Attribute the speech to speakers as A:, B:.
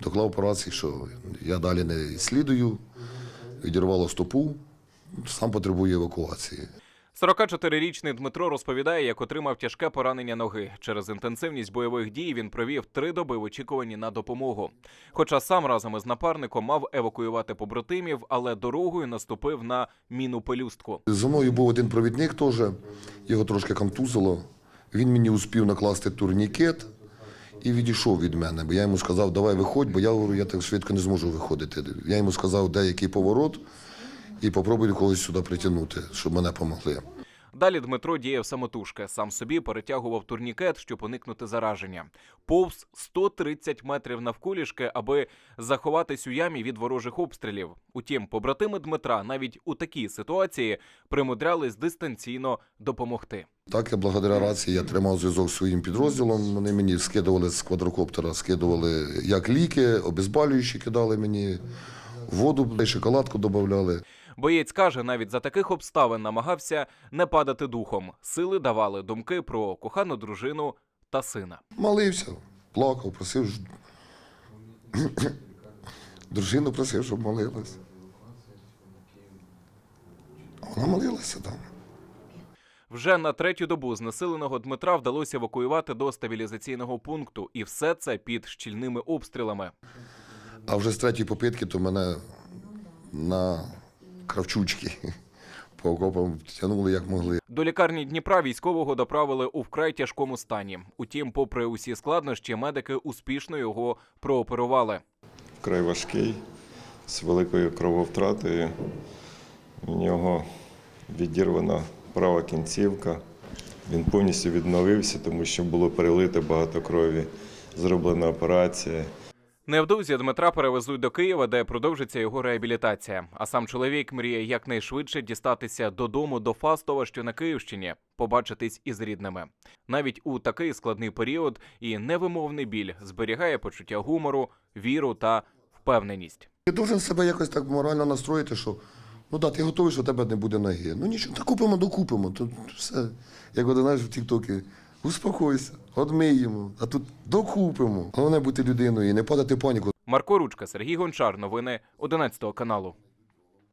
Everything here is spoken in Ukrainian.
A: доклав операції, що я далі не слідую, відірвало стопу, сам потребує евакуації.
B: 44-річний Дмитро розповідає, як отримав тяжке поранення ноги. Через інтенсивність бойових дій він провів 3 доби в очікуванні на допомогу. Хоча сам разом із напарником мав евакуювати побратимів, але дорогою наступив на міну-пелюстку.
A: За мною був один провідник теж, його трошки контузило. Він мені успів накласти турнікет і відійшов від мене. Бо я йому сказав, давай виходь, бо я говорю, я так швидко не зможу виходити. Я йому сказав, де який поворот, і попробую когось сюди притягнути, щоб мене допомогли.
B: Далі Дмитро діяв самотужки. Сам собі перетягував турнікет, щоб уникнути зараження. Повз 130 метрів навколішки, аби заховатись у ямі від ворожих обстрілів. Утім, побратими Дмитра навіть у такій ситуації примудрялись дистанційно допомогти.
A: Так, я благодаря рації я тримав зв'язок зі своїм підрозділом. Вони мені скидували з квадрокоптера, скидували як ліки, обезболюючі кидали мені, воду, шоколадку додавали.
B: Боєць каже, навіть за таких обставин намагався не падати духом. Сили давали думки про кохану дружину та сина.
A: Молився, плакав, просив, дружину просив, щоб молилась. Вона молилася там.
B: Вже на 3-ю добу знесиленого Дмитра вдалося евакуювати до стабілізаційного пункту. І все це під щільними обстрілами.
A: А вже з 3-ї попитки то мене на кравчучки по окопам тягнули як могли.
B: До лікарні Дніпра військового доправили у вкрай тяжкому стані. Утім, попри усі складнощі, медики успішно його прооперували.
C: Вкрай важкий, з великою крововтратою. У нього відірвана права кінцівка. Він повністю відновився, тому що було перелито багато крові. Зроблена операція.
B: Невдовзі Дмитра перевезуть до Києва, де продовжиться його реабілітація. А сам чоловік мріє якнайшвидше дістатися додому до Фастова, що на Київщині, побачитись із рідними. Навіть у такий складний період і невимовний біль зберігає почуття гумору, віру та впевненість.
A: Ти повинен себе якось так морально настроїти, що ну да, ти готовий, що у тебе не буде ноги. Ну нічого, та купимо, докупимо. Тут все, як от знаєш в тік-токі, успокойся, одмиємо, а тут докупимо. Головне бути людиною і не падати в паніку.
B: Марко Ручка, Сергій Гончар. Новини 11 каналу.